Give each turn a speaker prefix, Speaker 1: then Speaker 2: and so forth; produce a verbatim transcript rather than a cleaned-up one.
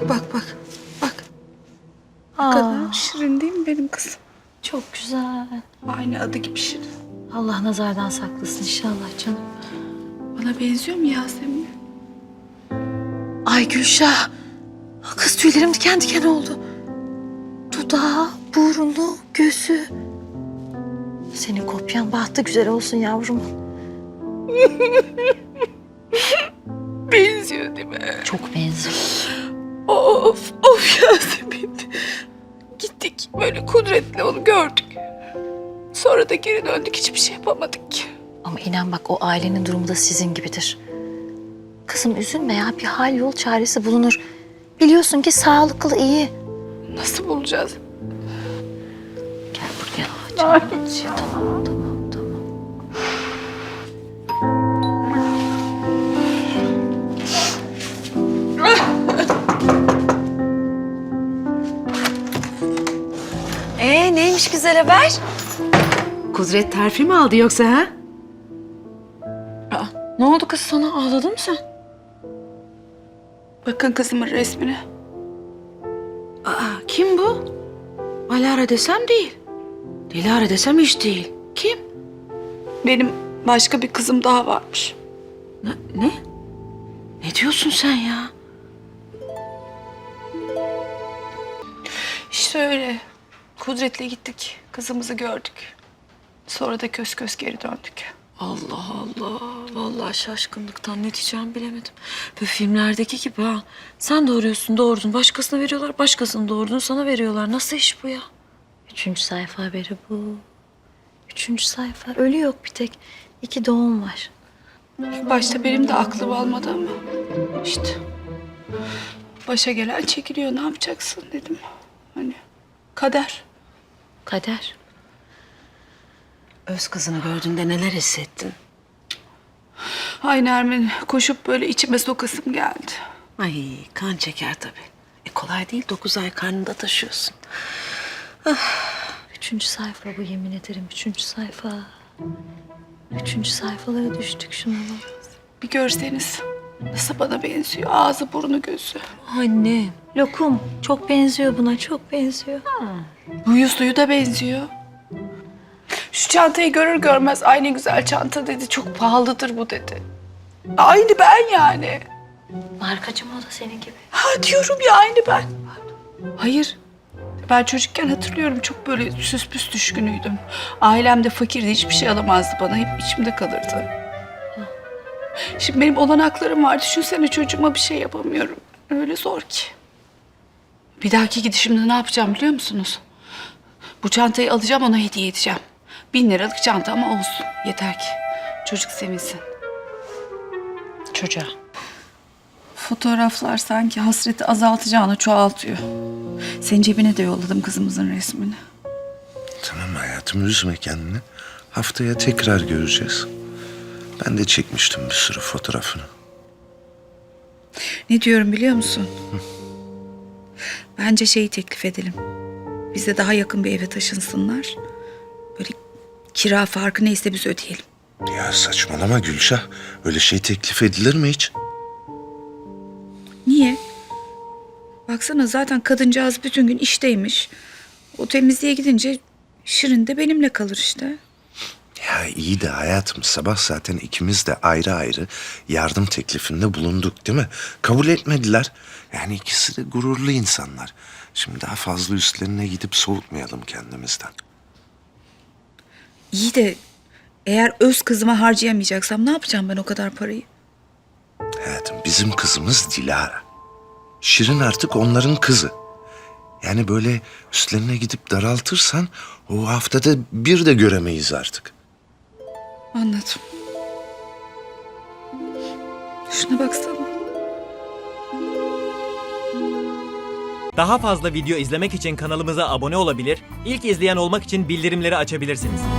Speaker 1: bak bak. Bak. Ne
Speaker 2: Aa,
Speaker 1: kadar şirin değil mi benim kızım?
Speaker 2: çok güzel.
Speaker 1: Aynı adı gibi şirin.
Speaker 2: Allah nazardan saklasın inşallah canım.
Speaker 1: Bana benziyor mu Yasemin?
Speaker 2: Ay Gülşah. Kız tüylerim diken diken oldu. Dudağı, burnu, gözü. Senin kopyan bahtı güzel olsun yavrum.
Speaker 1: Benziyor değil mi?
Speaker 2: Çok benziyor.
Speaker 1: Of of Yasemin. Gittik böyle Kudret'le onu gördük. Sonra da geri döndük, hiçbir şey yapamadık ki.
Speaker 2: Ama inan bak, o ailenin durumu da sizin gibidir. Kızım üzülme ya, bir hal yol çaresi bulunur. Biliyorsun ki sağlıklı, iyi.
Speaker 1: Nasıl bulacağız?
Speaker 2: Gel buraya. Tamam, tamam, tamam, tamam.
Speaker 3: Ee neymiş güzel haber? Kudret terfi mi aldı yoksa ha?
Speaker 1: Aa, ne oldu kız sana? Ağladın mı sen? Bakın kızımın resmine.
Speaker 3: Aa kim bu? Alara desem değil. Dilara desem hiç değil. Kim?
Speaker 1: Benim başka bir kızım daha varmış.
Speaker 3: Ne? Ne, ne diyorsun sen ya?
Speaker 1: İşte öyle. Kudret'le gittik. Kızımızı gördük. Sonra da kös kös geri döndük.
Speaker 3: Allah Allah. Vallahi şaşkınlıktan ne diyeceğimi bilemedim. Böyle filmlerdeki gibi ha. Sen doğuruyorsun, doğurdun. Başkasına veriyorlar, başkasını doğurdun, sana veriyorlar. Nasıl iş bu ya?
Speaker 2: Üçüncü sayfa haberi bu. Üçüncü sayfa. Ölü yok bir tek. İki doğum var.
Speaker 1: Başta benim de aklım almadı ama işte başa gelen çekiliyor, ne yapacaksın dedim. Hani kader.
Speaker 2: Kader.
Speaker 3: Öz kızını gördüğünde neler hissettin?
Speaker 1: Ay Nermin, koşup böyle içime sokasım geldi.
Speaker 3: Ay kan çeker tabii. E kolay değil, dokuz ay karnında taşıyorsun.
Speaker 2: Üçüncü sayfa bu, yemin ederim. Üçüncü sayfa. Üçüncü sayfalara düştük, şuna bak.
Speaker 1: Bir görseniz nasıl bana benziyor, ağzı burnu gözü.
Speaker 2: Anne. Lokum. Çok benziyor buna, çok benziyor.
Speaker 1: Huyu suyu da benziyor. Şu çantayı görür görmez ay ne güzel çanta dedi, çok pahalıdır bu dedi. Aynı ben yani.
Speaker 2: Markacı mı o da senin gibi?
Speaker 1: Ha diyorum ya, aynı ben. Hayır. Ben çocukken hatırlıyorum, çok böyle süs püs düşkünüydüm. Ailem de fakirdi, hiçbir şey alamazdı bana. Hep içimde kalırdı. Şimdi benim olanaklarım var. Düşünsene, çocuğuma bir şey yapamıyorum. Öyle zor ki. Bir dahaki gidişimde ne yapacağım biliyor musunuz? Bu çantayı alacağım, ona hediye edeceğim. Bin liralık çanta ama olsun. Yeter ki çocuk sevinsin.
Speaker 2: Çocuğa.
Speaker 1: Fotoğraflar sanki hasreti azaltacağını çoğaltıyor. Senin cebine de yolladım kızımızın resmini.
Speaker 4: Tamam hayatım, üzme kendini. Haftaya tekrar göreceğiz. Ben de çekmiştim bir sürü fotoğrafını.
Speaker 1: Ne diyorum biliyor musun? Bence şeyi teklif edelim. Bize daha yakın bir eve taşınsınlar. Böyle kira farkı neyse biz ödeyelim.
Speaker 4: Ya saçmalama Gülşah. Öyle şey teklif edilir mi hiç?
Speaker 1: Niye? Baksana, zaten kadıncağız bütün gün işteymiş. O temizliğe gidince Şirin de benimle kalır işte.
Speaker 4: Ya iyi de hayatım, sabah zaten ikimiz de ayrı ayrı yardım teklifinde bulunduk değil mi? Kabul etmediler. Yani ikisi de gururlu insanlar. Şimdi daha fazla üstlerine gidip soğutmayalım kendimizden.
Speaker 1: İyi de eğer öz kızıma harcayamayacaksam ne yapacağım ben o kadar parayı?
Speaker 4: Hayatım, bizim kızımız Dilara. Şirin artık onların kızı. Yani böyle üstlerine gidip daraltırsan o haftada bir de göremeyiz artık.
Speaker 1: Anladım. Şuna baksana.
Speaker 5: Daha fazla video izlemek için kanalımıza abone olabilir, ilk izleyen olmak için bildirimleri açabilirsiniz.